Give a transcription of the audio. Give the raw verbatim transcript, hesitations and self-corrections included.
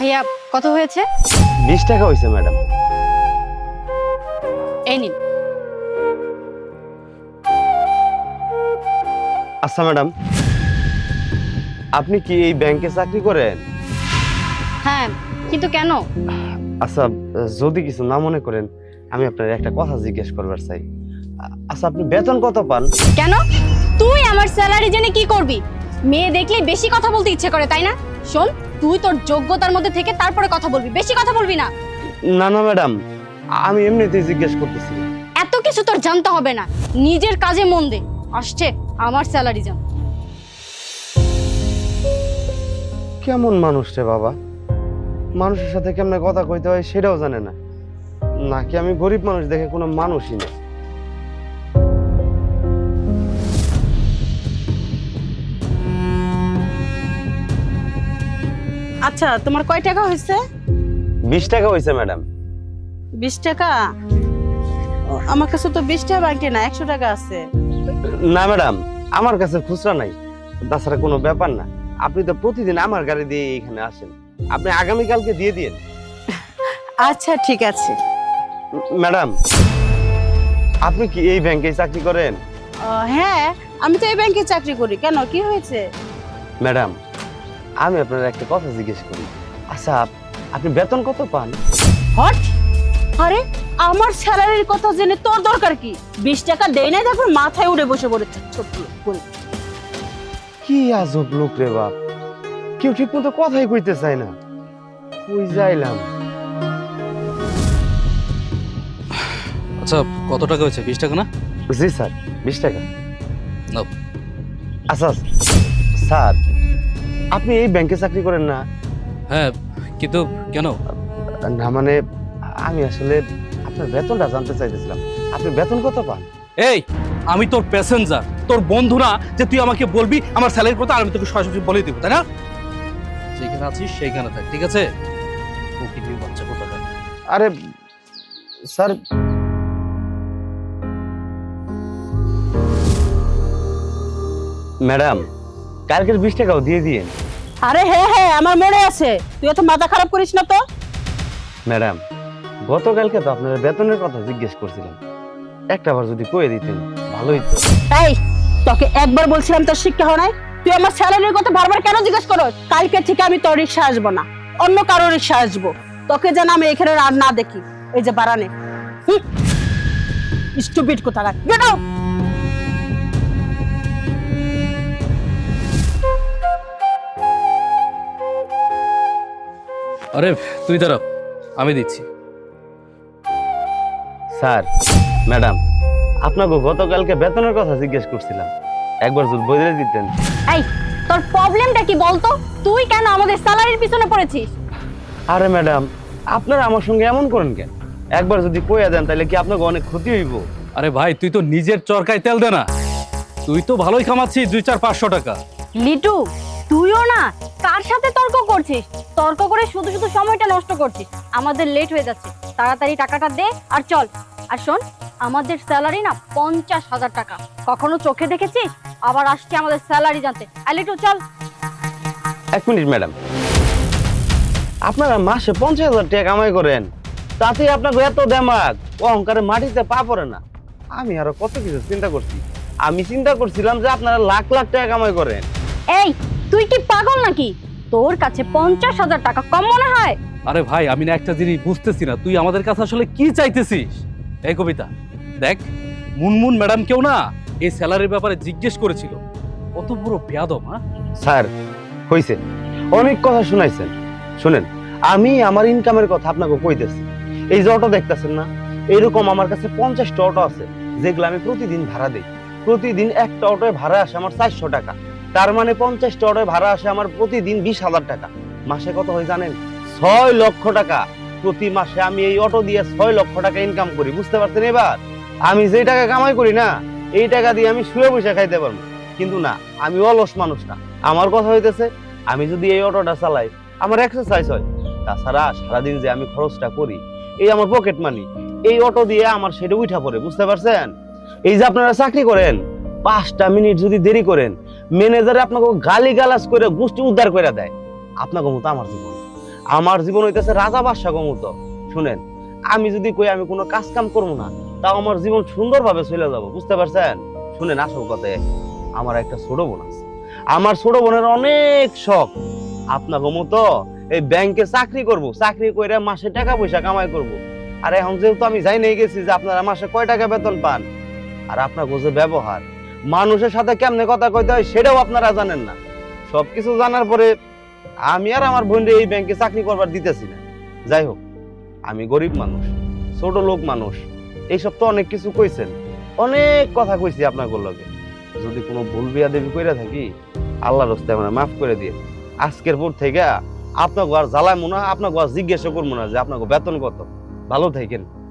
ভাইয়া কত হয়েছে? বিশ টাকা হয়েছে ম্যাডাম। এই নিন। আচ্ছা ম্যাডাম, আপনি কি এই ব্যাংকে চাকরি করেন? হ্যাঁ, কিন্তু কেন? আচ্ছা, যদি কিছু না মনে করেন আমি আপনার একটা কথা জিজ্ঞেস করবার চাই। আচ্ছা, আপনি বেতন কত পান? কেন? তুই আমার স্যালারি জেনে কি করবি? মেয়ে দেখলে বেশি কথা বলতে ইচ্ছে করে, তাই না? শোন, তুই তোর যোগ্যতার মধ্যে থেকে তারপরে কথা বলবি, বেশি কথা বলবি না। না না ম্যাডাম, আমি এমনিতেই জিজ্ঞেস করতেছি। এত কিছু তোর জানতে হবে না, নিজের কাজে মন দে। আসছে আমার স্যালারি জান। কেমন মানুষ রে বাবা, মানুষের সাথে কেমনে কথা কইতে হয় সেটাও জানে না, নাকি আমি গরিব মানুষ দেখে কোনো মানুষই না। আচ্ছা, তোমার কয় টাকা হয়েছে? বিশ টাকা হয়েছে ম্যাডাম। বিশ টাকা? ও, আমার কাছে তো বিশ টাকা ব্যাংকে না, একশো টাকা আছে। না ম্যাডাম, আমার কাছে খুচরা নাই। তাছাড়া কোনো ব্যাপার না, আপনি তো প্রতিদিন আমার গাড়ি দিয়ে এখানে আসেন, আপনি আগামীকালকে দিয়ে দিন। আচ্ছা ঠিক আছে। ম্যাডাম, আপনি কি এই ব্যাংকে চাকরি করেন? আহ, হ্যাঁ, আমি তো এই ব্যাংকে চাকরি করি। কেন, কি হয়েছে? ম্যাডাম, আমি আপনার একটা কথা জিজ্ঞেস করি। আচ্ছা, আপ- আপনি বেতন কত পান? হট! আরে, আমার স্যালারির কথা জেনে তোর দরকার কি? বিশ টাকা দেই না, তারপর মাথায় উড়ে বসে পড়েছে ছোট্ট করে। কি আজব লোক রে বাপ, কেউ ঠিক মতো কথাই কইতে চায় না। কই যাইলাম? আচ্ছা, কত টাকা হয়েছে? বিশ টাকা না? জি স্যার, বিশ টাকা। নাও। আচ্ছা স্যার, আপনি এই ব্যাংকে চাকরি করেন না? হ্যাঁ, কিন্তু কেন? না মানে, আমি আসলে আপনার বেতনটা জানতে চাইতেছিলাম। আপনি বেতন কত পান? এই, আমি তোর প্যাসেঞ্জার, তোর বন্ধু না যে তুই আমাকে বলবি আমার স্যালারির কথা, আর আমি তোকে সরাসরি বলে দিব, তাই না? যেখানে আছিস সেইখানে থাক, ঠিক আছে? প্রকৃতির বাচ্চা কোথাকার। আরে স্যার, ম্যাডাম, কালকের বিশ টাকাও দিয়ে দিয়েন। আরে হ্যাঁ হ্যাঁ, আমার মনে আছে। তুই এত মাথা খারাপ করিস না তো। ম্যাডাম, গতকালকে তো আপনার বেতনের কথা জিজ্ঞেস করছিলাম, একটা বার যদি কয়ে দিতেন ভালোই তো। এই, তোকে একবার বলছিলাম তোর শিক্ষা হয় নাই? তুই আমার স্যালারির কথা বারবার কেন জিজ্ঞেস করো? কালকে থেকে আমি তোর রিক্সা আসবো না, অন্য কারো রিক্সা আসবো। তোকে যেন আমি এখানে আর না দেখি। এই যে বারানে স্টুপিড কোথাকার, গেট আউট! আরে তুই দাঁড়া, আমি দিচ্ছি। স্যার, ম্যাডাম, আপনাকে গতকালকে বেতনের কথা জিজ্ঞেস করছিলাম, একবার যদি বলে দিতেন। এই, তোর প্রবলেমটা কি বলতো? তুই কেন আমাদের স্যালারির পিছনে পড়েছিস? আরে ম্যাডাম, আপনারা আমার সঙ্গে এমন করেন কেন? একবার যদি কইয়া দেন তাহলে কি আপনাকে অনেক ক্ষতি হইব? আরে ভাই, তুই তো নিজের চরকায় তেল দে না। তুই তো ভালোই কামাচ্ছিস দুই চার পাঁচশো টাকা। লিটু, তুইও না কার সাথে তর্ক করছিস? তর্ক করে শুধু শুধু সময়টা নষ্ট করছিস। আমাদের লেট হয়ে যাচ্ছে, তাড়াতাড়ি টাকাটা দে আর চল। আর শোন, আমাদের স্যালারি না পঞ্চাশ হাজার টাকা। কখনো চোখে দেখেছিস? আবার আসছে আমাদের স্যালারি জানতে। আর লিটু চল। এক মিনিট ম্যাডাম, আপনারা মাসে পঞ্চাশ হাজার টাকা কামাই করেন, তাতে আপনাকে এত দেমাগ, অহংকারে মাটিতে পা পড়ে না? আমি আরো কত কিছু চিন্তা করছি। আমি চিন্তা করছিলাম যে আপনারা লাখ লাখ টাকা কামাই করেন। এই, তুই কি পাগল নাকি? তোর কাছে পঞ্চাশ হাজার টাকা কম মনে হয়? আরে ভাই, আমি না একটা জিনিস বুঝতেছি না, তুই আমাদের কাছে আসলে কি চাইতেছিস? এই কবিতা দেখ, মুনমুন ম্যাডাম কেউ না এই স্যালারির ব্যাপারে জিজ্ঞেস করেছিল। কত বড় বেয়াদব! হ্যাঁ স্যার, হইছে, অনেক কথা শুনাইছেন। শুনেন, আমি আমার ইনকামের কথা আপনাকে কইতেছি। এই যে অটো দেখতেছেন না, এরকম আমার কাছে পঞ্চাশটা অটো আছে, যেগুলো আমি প্রতিদিন ভাড়া দেই। প্রতিদিন একটা অটোয় ভাড়া আসে আমার চারশো টাকা। তার মানে পঞ্চাশটা অটোয় ভাড়া আসে আমার প্রতিদিন বিশ হাজার টাকা। মাসে কত হয় জানেন? ছয় লক্ষ টাকা। প্রতি মাসে আমি এই অটো দিয়ে ছয় লক্ষ টাকা ইনকাম করি, বুঝতে পারছেন? এবার আমি যে টাকা কামাই করি না, এই টাকা দিয়ে আমি শুয়ে বসে খাইতে পারবো। কিন্তু না, আমি অলস মানুষ না। আমার কথা হইতেছে, আমি যদি এই অটোটা চালাই আমার এক্সারসাইজ হয়। তাছাড়া সারাদিন যে আমি খরচটা করি, এই আমার পকেট মানি, এই অটো দিয়ে আমার সেটা উঠা পড়ে, বুঝতে পারছেন? এই যে আপনারা চাকরি করেন, পাঁচটা মিনিট যদি দেরি করেন, ম্যানেজারে আপনাকে গালি গালাজ করে গোষ্ঠী উদ্ধার করে দেয়। আপনাকে মতো আমার জীবন, আমার জীবন হইতেছে রাজা বাদশা মতো। শুনেন, আমি যদি কই আমি কোনো কাজ কাম করবো না, তাও আমার জীবন সুন্দরভাবে চলে যাব, বুঝতে পারছেন? শুনেন, আসল কথায় আমার একটা ছোট বোন আছে। আমার ছোট বোনের অনেক শখ আপনাকে মতো এই ব্যাংকে চাকরি করব, চাকরি করে মাসে টাকা পয়সা কামাই করব। আর এখন যেহেতু আমি যাই নিয়ে গেছি যে আপনারা মাসে কয় টাকা বেতন পান, আর আপনার যে ব্যবহার, মানুষের সাথে কেমনে কথা কইতে হয় সেটাও আপনারা জানেন না। সবকিছু জানার পরে আমি আর আমার বোন এই ব্যাংকে চাকরি করবার দিতেছি না। যাই হোক, আমি গরিব মানুষ, ছোট লোক মানুষ, এইসব তো অনেক কিছু কইছেন, অনেক কথা কইছি আপনাকে লগে। যদি কোনো ভুল বিয়াদবি কইরা থাকি, আল্লাহর রাস্তে আমরা মাফ করে দিয়ে আজকের পর থেকে আপনাকে আর জ্বালায় মনে হয়, আপনাকে আর জিজ্ঞাসা করবো না যে আপনাকে বেতন কত। ভালো থাকেন।